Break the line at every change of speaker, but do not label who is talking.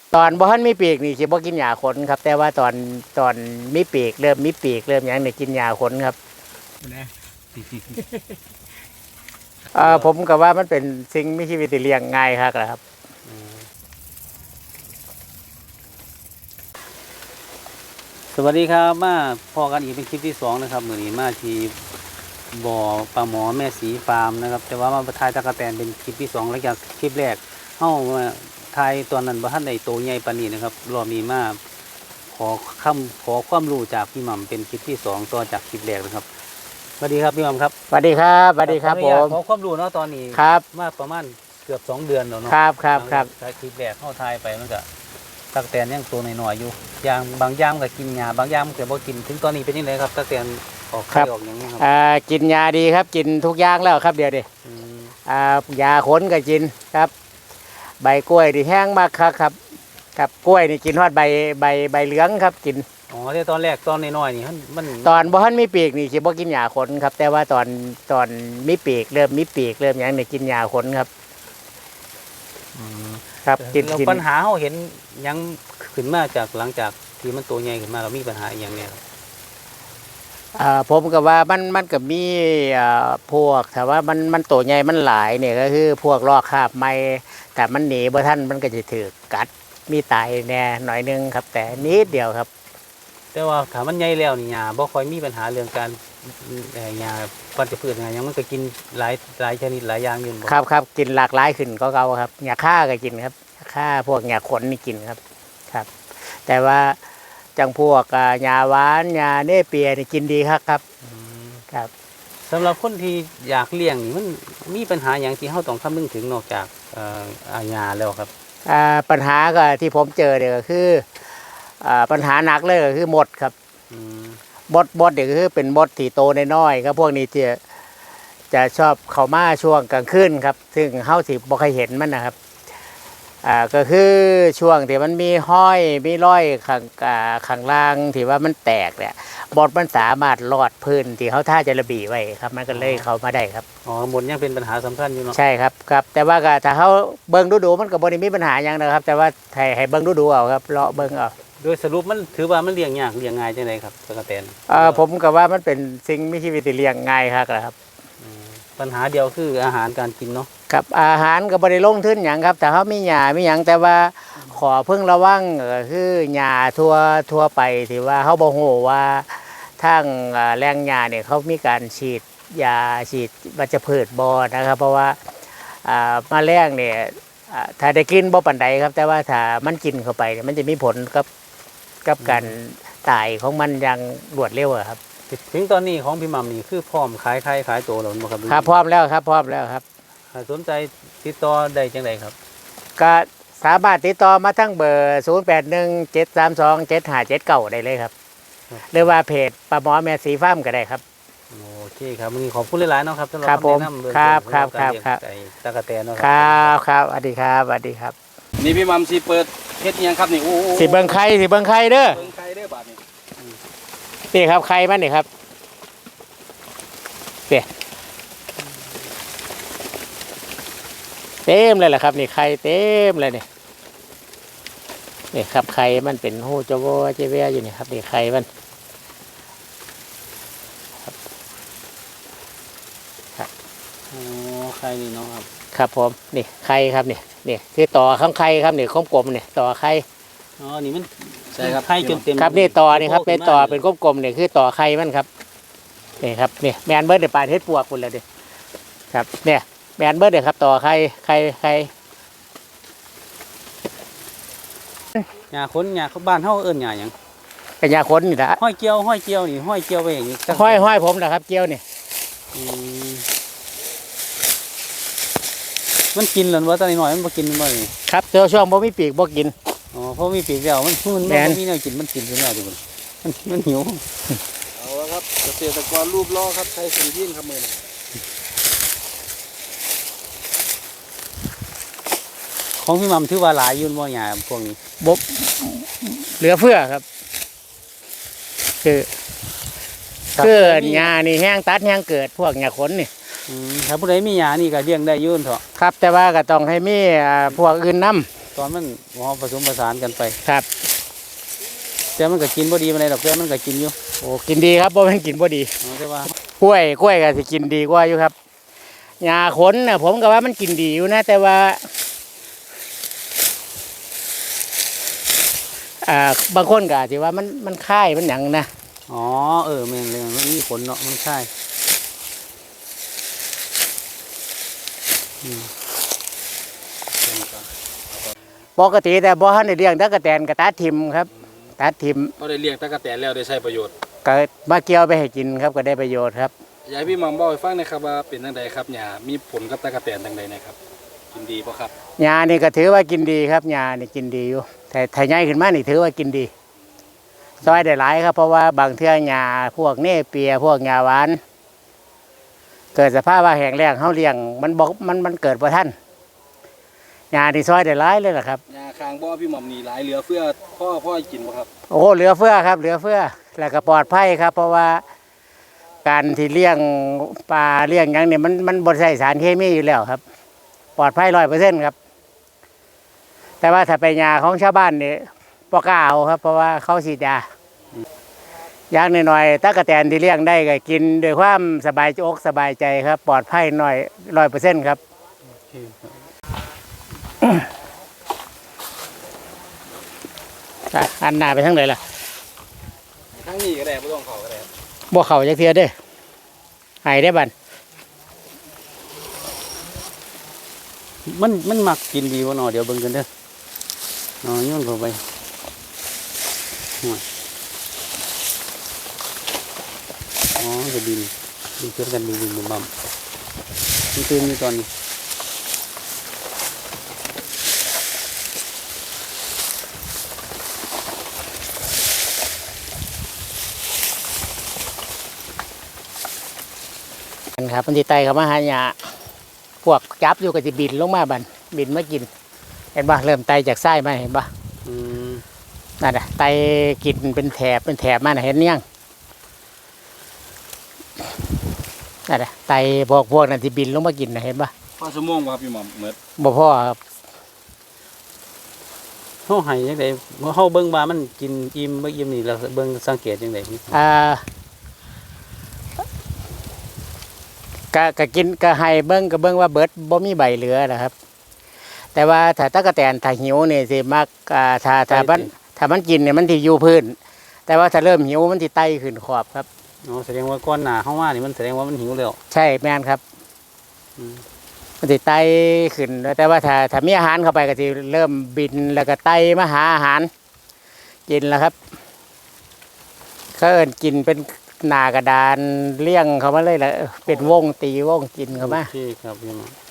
ตอนบ่ทันมีปีกนี่สิบ่กินหญ้าขนครับแต่ว่าตอนมีปีกเริ่มมีปีกเริ่มหยังนี่กินหญ้าขนครับผมก็ว่ามันเป็นสิ่งมีชีวิตที่เลี้ยงง่ายครับครับ
สวัสดีครับมาพอกันอีกเป็นคลิปที่2นะครับมื้อนี้มาที่บ่อปลาหมอแม่สีฟาร์มนะครับแต่ว่ามาถ่ายตะกะแตนเป็นคลิปที่2หลังจากคลิปแรกเฮาถ่ายตอนนั้นบ่ทันได้โตใหญ่ปานนี้นะครับรอบนี้มาขอความรู้จากพี่หม่ำเป็นคลิปที่2ต่อจากคลิปแรกนะครับสวัสดีครับพี่หม่ำครับ
สวัสดีครับสวัสดีครับผม
ขอความรู้เนาะตอนนี้
ครับ
มาประมาณเกือบ2เดือนแล้วเนาะ
ครับ
คลิปแรกเฮาถ่ายไปมันก็ตะกะแตนยังตัวน้อยๆอยู่อย่างบางอย่างก็กินหญ้าบางอย่างก็บ่กินถึงตอนนี้เป็นจังไดครับตะกะแตนออกไข่ออกอย่างนี้ครับ
กินยาดีครับกินทุกอย่างแล้วครับเดี๋ยวดิยาขนก็กินครับใบกล้วยที่แห้งมากครับกล้วยนี่กินฮอดใบเหลืองครับกิน
อ๋อที่ตอนแรกตอนน้อยๆนี่มัน
ตอนบ่ทันมีปีกนี่สิบ่กินหญ้าขนครับแต่ว่าตอนมีปีกเริ่มมีปีกเริ่มหยังนี่กินหญ้าขนครับครับกิน
ปัญหาเฮาเห็นยังขึ้นมาจากหลังจากที่มันโตใหญ่ขึ้นมาเรามีปัญหาอย่างเนี้ย
ผมก็ว่ามันก็มีพวกแต่ว่ามันโตใหญ่มันหลายเนี่ยก็คือพวกลอกคราบไม้แต่มันหนีบ่ทันมันก็จะถือกัดมีตายแน่หน่อยนึงครับแต่นิดเดียวครับ
แต่ว่าถ้ามันใหญ่แล้วนี่หญ้าบ่ค่อยมีปัญหาเรื่องการหญ้าปัจจุบันหยังมันก็กินหลายชนิดหลายอย่างอยู่
ครับกินหลากหลายขึ้นก็เก่าครับหญ้าค่าก็กินครับหญ้าค่าพวกหญ้าขนนี่กินครับแต่ว่าจังพวกหญ้าหวานหญ้าเนเปียนี่กินดีครับ
สำหรับคนที่อยากเลี้ยงนี่มันมีปัญหาอย่างที่เฮาต้องคำนึงถึงนอกจากหญ้าแล้วครับ
ปัญหาก็ที่ผมเจอเนี่ยก็คือปัญหาหนักเลยก็คือมดครับมดเนี่ยก็คือเป็นมดที่โตน้อยๆครับพวกนี้จะชอบเข้ามาช่วงกลางคืนครับซึ่งเฮาสิบ่เคยเห็นมันนะครับก็คือช่วงที่มันมีห้อยมีร้อยข้างล่างที่ว่ามันแตกเนี่ยมดมันสามารถลอดพื้นที่เขาท่าจะระบีไว้ครับมันก็เลยเข้ามาได้ครับ
อ๋อมดยังเป็นปัญหาสำคัญอยู่เนาะ
ใช่ครับแต่ว่าถ้าเขาเบิ่งดูมันก็บ่ได้มีปัญหาอย่างนะครับแต่ว่าให้เบิ่งดูเอาครับเลาะเบิ่งเอา
โดยสรุปมันถือว่ามันเลี้ยงยากเลี้ยงง่ายจังไดครับตะกะแตน
ผมก็ว่ามันเป็นสิ่งมีชีวิตที่เลี้ยงง่ายครับ
ปัญหาเดียวคืออาหารการกินเนาะ
กับอาหารก็บ่ได้ลงทุนหยังครับแต่เขามีหญ้ามีหยังแต่ว่าขอเพิ่งระวังคือหญ้าทั่วไปที่ว่าเขาบ่ฮู้ว่าทางแรงหญ้าเนี่ยเขามีการฉีดยาฉีดวัชพืชบ่นะครับเพราะว่าแมลงเนี่ยถ้าได้กินบ่ปานใดครับแต่ว่าถ้ามันกินเข้าไปมันจะมีผลกับการตายของมันอย่างรวดเร็วครับ
ถึงตอนนี้ของพี่หม่ำนี่คือพร้อมขายไข่ขายตัวแล้วบ่ครับ
ครับพร้อมแล้วครับ
ถ้าสนใจติดต่อได้จังไดครับ
ก็สามารถติดต่อมาทั้งเบอร์0817327579ได้เลยครับหรือว่าเพจปลาหมอแม่สีฟาร์มก็ได้ครับ
โอเคครับวันนี้ขอบคุณหลายๆเนาะครับสำหรับ
คำแนะนำครับ
ตะกะแตนเนาะ
ครับสวัสดีครับ
นี่พี่หม่ำสิเปิดเฮ็ดยังครับนี่โอ้
สิเบิ่งไข่เด้อเบิ่งไข่เด้อบาดนี้นี่ครับไข่มันนี่ครับเต็มเลยแหละครับนี่ไข่เต็มเลยนี่ครับไข่มันเป็นหูจโวเจเวียอยู่นี่ครับนี่ไข่มัน
ครับโอ้ไข่นี่เนาะ
ครับผมนี่ไข่ครับนี่คือต่อข้างไข่ครับนี่กลมๆนี่ต่อไข่
อ๋อนี่มันใช่ครับไข่จนเต็ม
ครับนี่ต่อนี่ครับเป็นต่อเป็นกลมๆนี่คือต่อไข่มันครับนี่ครับนี่แมนเบิร์ดเดี๋ยวปลาเทศปวกคุณเลยดิครับเนี่ยแมนเบิร์ดเดี๋ยวครับต่อไข่
หญ้าคนหญ้าบ้านเฮาเอิ้นหญ้าหยัง
กระยาขนนี่ละ
ห้อยเกี่ยวนี่ห้อยเกี่ยวไปอย่างนี้
ห้อยผมนะครับเกี่ยวนี่
มันกินหรือว่าตอนนี้หน่อยมันบ่กินมันบ่นี่
ครับเจอช่วงบ่มีปีกบ่กิน
อ๋อเพราะมีปีกแล้วมันบ่มีแนวกินมันกินไปแล้วทุกคนมันหิว
เอาละครับเกษตรกรรูปล้อครับใช้สิ่งยิ่งครับมือ
ของพี่หม่ำถือว่าหลายยุ่นบ่หญ้าพวกนี้
บ่เหลือเฟือครับคือหญ้านี่แห้งตัดแห้งเกิดพวกหญ้าขนนี่
ถ้าผู้ใดมีหญ้านี่ก็เลี้ยงได้ยุ่นเถอะ
ครับแต่ว่าก็ต้องให้มีพวกอื่นนำ
ตตอนมันหอมผสมผสานกันไป
ครับ
แต่มันก็กินบ่ดีมาเลยดอกแต่มันก็กินอยู่
โอ้กินดีครับบ่แม่นกินบ่ดี
แต่ว่าก
ล้วยก็สิกินดีกว่าอยู่ครับหญ้าขนน่ะผมก็ว่ามันกินดีอยู่นะ แต่ว่าบางคนก็อาจสิว่ามันค่ายมันหยังนะ
อ๋อแม่นเลยมันมีผลเนาะมันใช่อืม
ปกติแต่บ่ทันได้เลี้ยงตะกะแตนก็ตัดทิ่มครับตัดทิ่ม
ก็ได้เลี้ยงตะกะแตนแล้วได้ใช้ประโยชน์
ก็มาเกี่ยวไปให้กินครับก็ได้ประโยชน์ครับ
อยากให้พี่หม่อมบอกให้ฟังหนะครับว่าเป็นจังไดครับหญ้ามีผลกับตะกะแตนจังไดนะครับกินดีบ่ครับ
หญ้านี่ก็ถือว่ากินดีครับหญ้านี่กินดีอยู่แต่ถ้าใหญ่ขึ้นมานี่ถือว่ากินดีซอยได้หลายครับเพราะว่าบางเทื่อหญ้าพวกเนเปียพวกหญ้าหวาน เกิดสภาพว่าแห้งแล้งเฮาเลี้ยงมันเกิดบ่ทันหญ้านี่ซอยได้หลายเลยล่ะครับ
หญ้าคางบ่อพี่หม่อมนี่หลายเหลือเฟือพ่อกินบ่ครับ
โอ้เหลือเฟือครับเหลือเฟือแล้วก็ปลอดภัยครับ เพราะว่าการที่เลี้ยงปลาเลี้ยงหยังเนี่ยมันบ่ใช้สารเคมีอยู่แล้วครับ ปลอดภัย100%ครับ แต่ว่าถ้าไปหญ้าของชาวบ้านนี่บ่กล้าเอาครับ เพราะว่าเขาฉีดยาอย่างน้อยๆตะกะแตนที่เลี้ยงได้ก็กินด้วยความสบายอกสบายใจครับ ปลอดภัยหน่อย100%ครับ
โอเคครับ
อันหน้าไปทางไหนล่ะ
ทั้งนี้ก็ได้บ่ต้องเข้าก็ได้
บ่เข้าจักเทื่อเด้อหายได้บัด
มันมักกินดีบ่เนาะเดี๋ยวเบิ่งกันเด้อโยนเข้าไปห่วยอ๋อจะดินเพื่อนกันดินบ่มมันตื่นอยู่ตอนนี้
ครับมันสิไต่เข้ามาหาหญ้าพวกจับอยู่ก็สิบินลงมาบัดบินมากิน เห็นบ่เริ่มไต่จากไส้มาเห็นบ่
อืม
นั่นน่ะไต่กินเป็นแถบมาน่ะเห็นยังนั่นน่ะไต่พวกนั้นสิบินลงมากินน่ะเห็นบ่
พอชั่วโมงบ่ครับพี่หม่อมหมด
บ่พอครับ
เฮาให้จังได๋เฮาเบิ่งว่ามันกินอิ่มบ่อิ่มนี่เราเบิ่งสังเกตจังได๋
ก็กินก็ให้เบิ่งก็เบิ่งว่าเบิดบ่มีใบเหลือนะครับ แต่ว่าถ้าตะกะแตนถ้าหิวนี่สิมักถ้ามันกินเนี่ยมันสิอยู่พื้น แต่ว่าถ้าเริ่มหิวมันสิไต่ขึ้นขอบครับ
อ๋อแสดงว่าก้อนหนาเข้ามานี่มันแสดงว่ามันหิวแล้ว
ใช่แม่นครับ
อืม
มันสิไต่ขึ้น แต่ว่าถ้ามีอาหารเข้าไปก็สิเริ่มบินแล้วก็ไต่มาหาอาหารกินแล้วครับเขาเอิ้นกินเป็นหน้ากระดานเลี้ยงเขามาเลยแหละเป็นวงตีวงกินเข้ามา
โอเคครับพี่น้อง